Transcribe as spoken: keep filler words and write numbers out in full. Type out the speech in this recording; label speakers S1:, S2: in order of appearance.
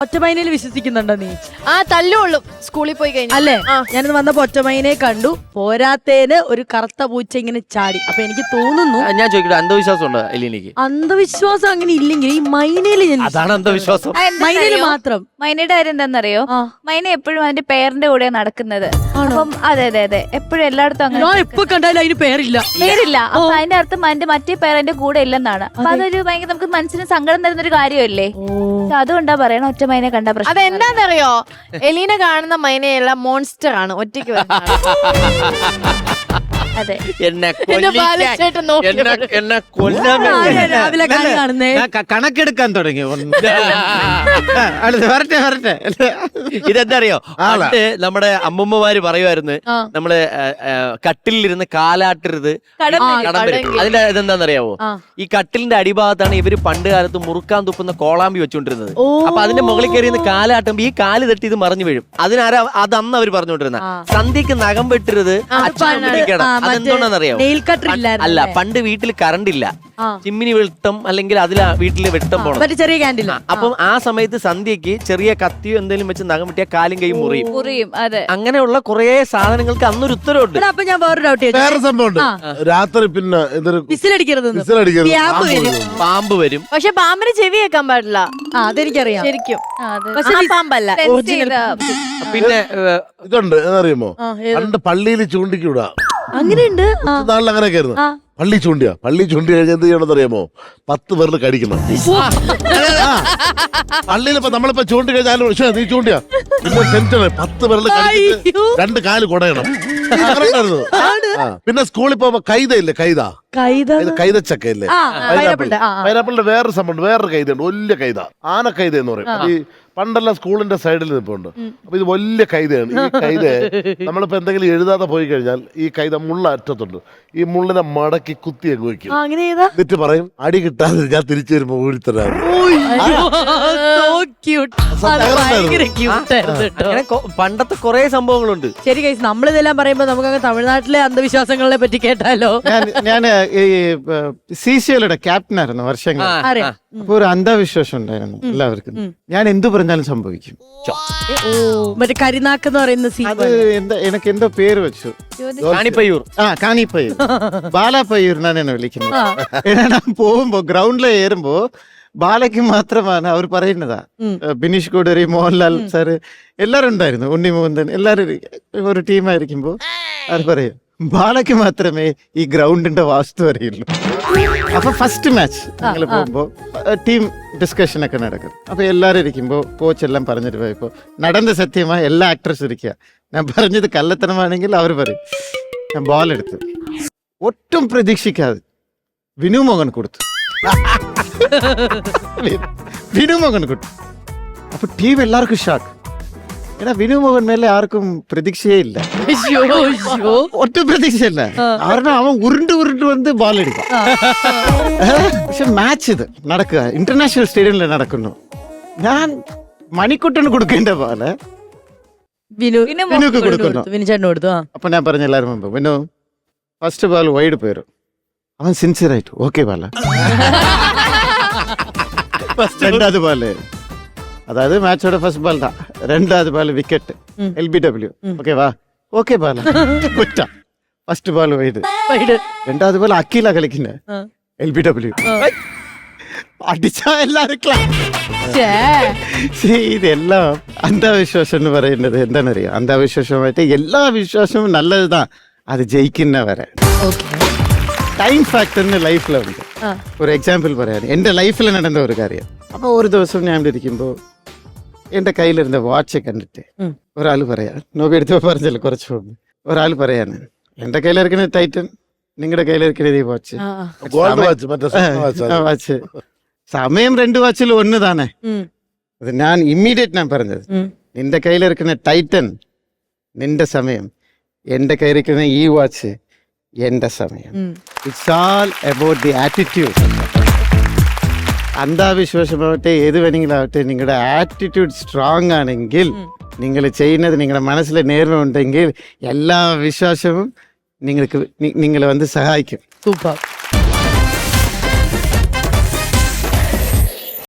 S1: ഒറ്റമൈനയിൽ വിശ്വസിക്കുന്നുണ്ടോ നീ?
S2: ആ തല്ലുള്ളൂ സ്കൂളിൽ പോയി കഴിഞ്ഞു
S1: അല്ലേ? ഞാനിന്ന് വന്നപ്പോ ഒറ്റമൈനെ കണ്ടു. പോരാത്തേന് ഒരു കറുത്ത പൂച്ച ഇങ്ങനെ ചാടി. അപ്പൊ എനിക്ക് തോന്നുന്നു,
S3: ഞാൻ ചോദിക്കട്ടെ, അന്ധവിശ്വാസം ഉണ്ടോ എലീനയ്ക്ക്?
S1: അന്ധവിശ്വാസം അങ്ങനെ ഇല്ലെങ്കിൽ ഈ മൈനയില് ഞാൻ
S3: അതാണ് അന്ധവിശ്വാസം.
S1: മൈനയില് മാത്രം.
S4: മൈനയുടെ കാര്യം എന്താണെന്നറിയോ? മൈന എപ്പോഴും അതിന്റെ പേരന്റെ കൂടെ നടക്കുന്നത്. അപ്പം അതെ അതെ അതെ എപ്പോഴും എല്ലായിടത്തും അങ്ങനെ.
S1: ഞാൻ എപ്പോ കണ്ടാലും അതിന് പേരില്ല
S4: പേരില്ല. അപ്പൊ അതിന്റെ അർത്ഥം അതിന്റെ മറ്റേ പേരന്റെ കൂടെ ഇല്ലെന്നാണ്. അപ്പൊ അതൊരു ഭയങ്കര നമുക്ക് മനസ്സിന് സങ്കടം തരുന്ന ഒരു കാര്യമല്ലേ? അതുകൊണ്ടാ പറയണ ഒറ്റ മൈനെ കണ്ട പ്രശ്നം.
S2: അതെന്താന്നറിയോ? എലീന കാണുന്ന മൈനയല്ല, മോൺസ്റ്റർ ആണ്. ഒറ്റയ്ക്ക്
S4: അതെ.
S3: എന്നെ എന്നെ കൊല്ലാൻ
S1: രാവിലെ കാണുന്നേ
S5: കണക്കെടുക്കാൻ തുടങ്ങി. വരട്ടെ വരട്ടെ.
S3: ഇതെന്താ അറിയോ? പണ്ട് നമ്മുടെ അമ്മൂമ്മമാര് പറയുമായിരുന്നു, നമ്മള് കട്ടിലിരുന്ന് കാലാട്ടരുത് കടം വരും. അതിന്റെ ഇതെന്താന്നറിയാവോ? ഈ കട്ടിലിന്റെ അടിഭാഗത്താണ് ഇവര് പണ്ട് കാലത്ത് മുറുക്കാൻ തുപ്പുന്ന കോളാമ്പി വെച്ചോണ്ടിരുന്നത്. അപ്പൊ അതിന്റെ മുകളിൽ കയറി കാലാട്ടുമ്പോ ഈ കാല് തട്ടി ഇത് മറിഞ്ഞു വീഴും. അതിനാരാ അത് അന്ന് അവര് പറഞ്ഞോണ്ടിരുന്ന സന്ധ്യക്ക് നഖം വെട്ടരുത്, അച്ഛൻ പിടിക്കണം. അതെന്തോന്നാന്നറിയാവോ? അല്ല, പണ്ട് വീട്ടിൽ കറണ്ട് ഇല്ല, ചിമ്മിനി വെട്ടം അല്ലെങ്കിൽ അതിലാ വീട്ടില് വെട്ടം പോണം,
S1: ചെറിയ ക്യാൻഡിൽ.
S3: അപ്പം ആ സമയത്ത് സന്ധ്യക്ക് ചെറിയ കത്തിയോ എന്തെങ്കിലും വെച്ച് നഖം വെട്ടിയ കാലും കൈയും മുറിയും. അങ്ങനെയുള്ള കുറെ സാധനങ്ങൾക്ക് അന്നൊരു ഉത്തരവുണ്ട്.
S1: അപ്പൊ ഞാൻ വേറെ ഡൗട്ട് ചോദിച്ചു.
S6: വേറെ സംഭവം രാത്രി പിന്നെ
S1: വിസിലടിക്കരുത്,
S3: പാമ്പ് വരും.
S2: പക്ഷെ പാമ്പിന് ചെവി കേൾക്കാൻ പാടില്ല.
S1: അതെനിക്കറിയാം
S2: ശരിക്കും.
S1: പാമ്പല്ല.
S3: പിന്നെ
S6: ഇതുണ്ട്, എന്നറിയുമോ? പണ്ട് പള്ളിയിൽ ചൂണ്ടിക്കൂടാ.
S1: അങ്ങനെയുണ്ട്.
S6: നാളിൽ അങ്ങനെയൊക്കെ ആയിരുന്നു. പള്ളി ചൂണ്ടിയാ പള്ളി ചൂണ്ടി കഴിഞ്ഞാൽ എന്ത് ചെയ്യണമെന്ന് അറിയാമോ? പത്ത് പേരിൽ കടിക്കണം. പള്ളിയിൽ ഇപ്പൊ നമ്മളിപ്പോ ചൂണ്ടി കഴിഞ്ഞാലും പക്ഷേ നീ ചൂണ്ടിയാ പിന്നെ ടെൻഷന്. പത്ത് പേരിൽ കടിച്ചിട്ട് രണ്ട് കാല് കുടയണം. പിന്നെ സ്കൂളിൽ പോകുമ്പോ കൈത ഇല്ലേ? കൈത കൈതച്ചക്ക ഇല്ലേ? പൈനാപ്പിൾ. പൈനാപ്പിളിന്റെ വേറൊരു സംഭവം, വേറൊരു കൈതയുണ്ട്, വലിയ കൈത. ആന കൈത എന്ന് പറയും. ഈ പണ്ടെല്ലാം സ്കൂളിന്റെ സൈഡിൽ നിൽപ്പുണ്ട്. അപ്പൊ ഇത് വലിയ കൈതയാണ്. ഈ കൈത നമ്മളിപ്പോ എന്തെങ്കിലും എഴുതാതെ പോയി കഴിഞ്ഞാൽ ഈ കൈത മുള്ള അറ്റത്തുണ്ട്. ഈ മുള്ളിനെ മടക്കി കുത്തി അങ്ങ് വയ്ക്കും. എന്നിട്ട് പറയും, അടി കിട്ടാതെ ഞാൻ തിരിച്ചു വരുമ്പോ ഊഴിത്തരാം.
S3: പണ്ടത്തെ കുറെ സംഭവങ്ങളുണ്ട്.
S1: ശരി ഗൈസ്, നമ്മളിതെല്ലാം പറയുമ്പോ നമുക്ക് തമിഴ്നാട്ടിലെ അന്ധവിശ്വാസങ്ങളെ പറ്റി കേട്ടാലോ?
S5: ഞാൻ സി സി എല്ലുടെ ക്യാപ്റ്റൻ ആയിരുന്നു വർഷങ്ങൾ. അപ്പൊ ഒരു അന്ധവിശ്വാസം ഉണ്ടായിരുന്നു എല്ലാവർക്കും. ഞാൻ എന്തു പറഞ്ഞാലും സംഭവിക്കും.
S1: മറ്റേ കരിനാക്ക് എന്ന് പറയുന്ന
S5: അത് എന്താ എനിക്ക് എന്തോ പേര് വെച്ചു,
S3: കാണിപ്പയ്യൂർ.
S5: ആ കാണിപ്പയ്യൂർ, ബാലാപ്പയ്യൂർ എന്നാണ് എന്നെ വിളിക്കുന്നത്. ഞാൻ പോകുമ്പോ ഗ്രൗണ്ടിൽ കയറുമ്പോ ബാലയ്ക്ക് മാത്രമാണ് അവർ പറയുന്നതാ. ബിനീഷ് കോടരി, മോഹൻലാൽ സാറ് എല്ലാരും ഉണ്ടായിരുന്നു, ഉണ്ണി മോഹൻദൻ, എല്ലാരും ഒരു ടീമായിരിക്കുമ്പോ അവർ പറയും ബാലയ്ക്ക് മാത്രമേ ഈ ഗ്രൗണ്ടിന്റെ വാസ്തു അറിയുള്ളൂ. അപ്പൊ ഫസ്റ്റ് മാച്ച് ഞങ്ങൾ പോകുമ്പോ ടീം ഡിസ്കഷൻ ഒക്കെ നടക്കും. അപ്പൊ എല്ലാരും ഇരിക്കുമ്പോ കോച്ച് എല്ലാം പറഞ്ഞിട്ട് പോയപ്പോ നടന്ന സത്യമായി എല്ലാ ആക്ടേഴ്സും ഇരിക്കുക. ഞാൻ പറഞ്ഞത് കള്ളത്തനമാണെങ്കിൽ അവർ പറയും. ഞാൻ ബോൾ എടുത്തു, ഒട്ടും പ്രതീക്ഷിക്കാതെ വിനു മോഹൻ കൊടുത്തു. വിനു മോഹൻ കൊടുത്തു. അപ്പൊ ടീം എല്ലാവർക്കും ഷോക്ക്. ഏടാ, വിനു മോഹൻ മേലെ ആർക്കും പ്രതീക്ഷയേ ഇല്ല, ഒട്ടും പ്രതീക്ഷയില്ല. കാരണം അവൻ ഉരുണ്ട് ഉരുണ്ട് വന്ന് ബോൾ എടുക്കും. പക്ഷെ മാച്ച് ഇത് നടക്കുക ഇന്റർനാഷണൽ സ്റ്റേഡിയമിൽ നടക്കുന്നു. ഞാൻ മണിക്കുട്ടന് കൊടുക്കേണ്ട പോലെ വിനുക്ക് കൊടുക്കുന്നു. അപ്പൊ ഞാൻ പറഞ്ഞ എല്ലാവരും മുമ്പ്, വിനു ഫസ്റ്റ് ബോൾ വൈഡ് പോയിരും. അവൻ സിൻസിയർ ആയിട്ട് ഓക്കെ ബാല. രണ്ടാമത് ബോള്, அதாவது மேட்சோட ஃபர்ஸ்ட் பால் தான், ரெண்டாவது பால் விக்கெட், எல்பிடபிள்யூ. ஓகேவா? ஓகே பால் குட்டா. ஃபர்ஸ்ட் பால் வைடு, ரெண்டாவது பால் அக்கீலா കളിക്കുന്ന എൽബിഡബ്ല്യു. അടിച്ചാ എല്ലാവർക്കും ഇതെല്ലാം അന്ധവിശ്വാസം എന്ന് പറയുന്നത് എന്താണെന്നറിയാം? അന്ധവിശ്വാസമായിട്ട് എല്ലാ വിശ്വാസവും നല്ലതുதான், അത് ജയിക്കുന്ന വരെ. ടൈം ഫാക്ടറിന് ലൈഫിലുണ്ട്. ഒരു എക്സാമ്പിൾ പറയാൻ, എന്റെ ലൈഫിൽ നടന്ന ഒരു കാര്യം. അപ്പൊ ഒരു ദിവസം ഞാൻ ഇരിക്കുമ്പോ എന്റെ കയ്യിലിരുന്ന വാച്ച് കണ്ടിട്ട് ഒരാൾ പറയാ, നോക്കി എടുത്തോ പറഞ്ഞല്ലോ കുറച്ച് മുമ്പ്, ഒരാൾ പറയാണ് എന്റെ കയ്യിലിരിക്കുന്ന ടൈറ്റൻ, നിങ്ങളുടെ കയ്യിലിരിക്കുന്നത് ഈ വാച്ച് വാച്ച് സമയം രണ്ട് വാച്ചിൽ ഒന്ന് താനേ. അത് ഞാൻ ഇമ്മീഡിയറ്റ് ഞാൻ പറഞ്ഞത്, നിന്റെ കയ്യിലിരിക്കുന്ന ടൈറ്റൻ നിന്റെ സമയം, എന്റെ കയ്യിലിരിക്കുന്ന ഈ വാച്ച് എന്റെ സമയം. It's all about the attitude. അന്ധവിശ്വാസമാവട്ടെ ഏത് വേണമെങ്കിലും ആവട്ടെ, നിങ്ങളുടെ ആറ്റിറ്റ്യൂഡ് സ്ട്രോങ് ആണെങ്കിൽ, നിങ്ങൾ ചെയ്യുന്നത് നിങ്ങളുടെ മനസ്സിൽ നേർമ ഉണ്ടെങ്കിൽ എല്ലാ വിശ്വാസവും നിങ്ങൾക്ക് നിങ്ങളെ വന്ന് സഹായിക്കും.
S1: സൂപ്പർ.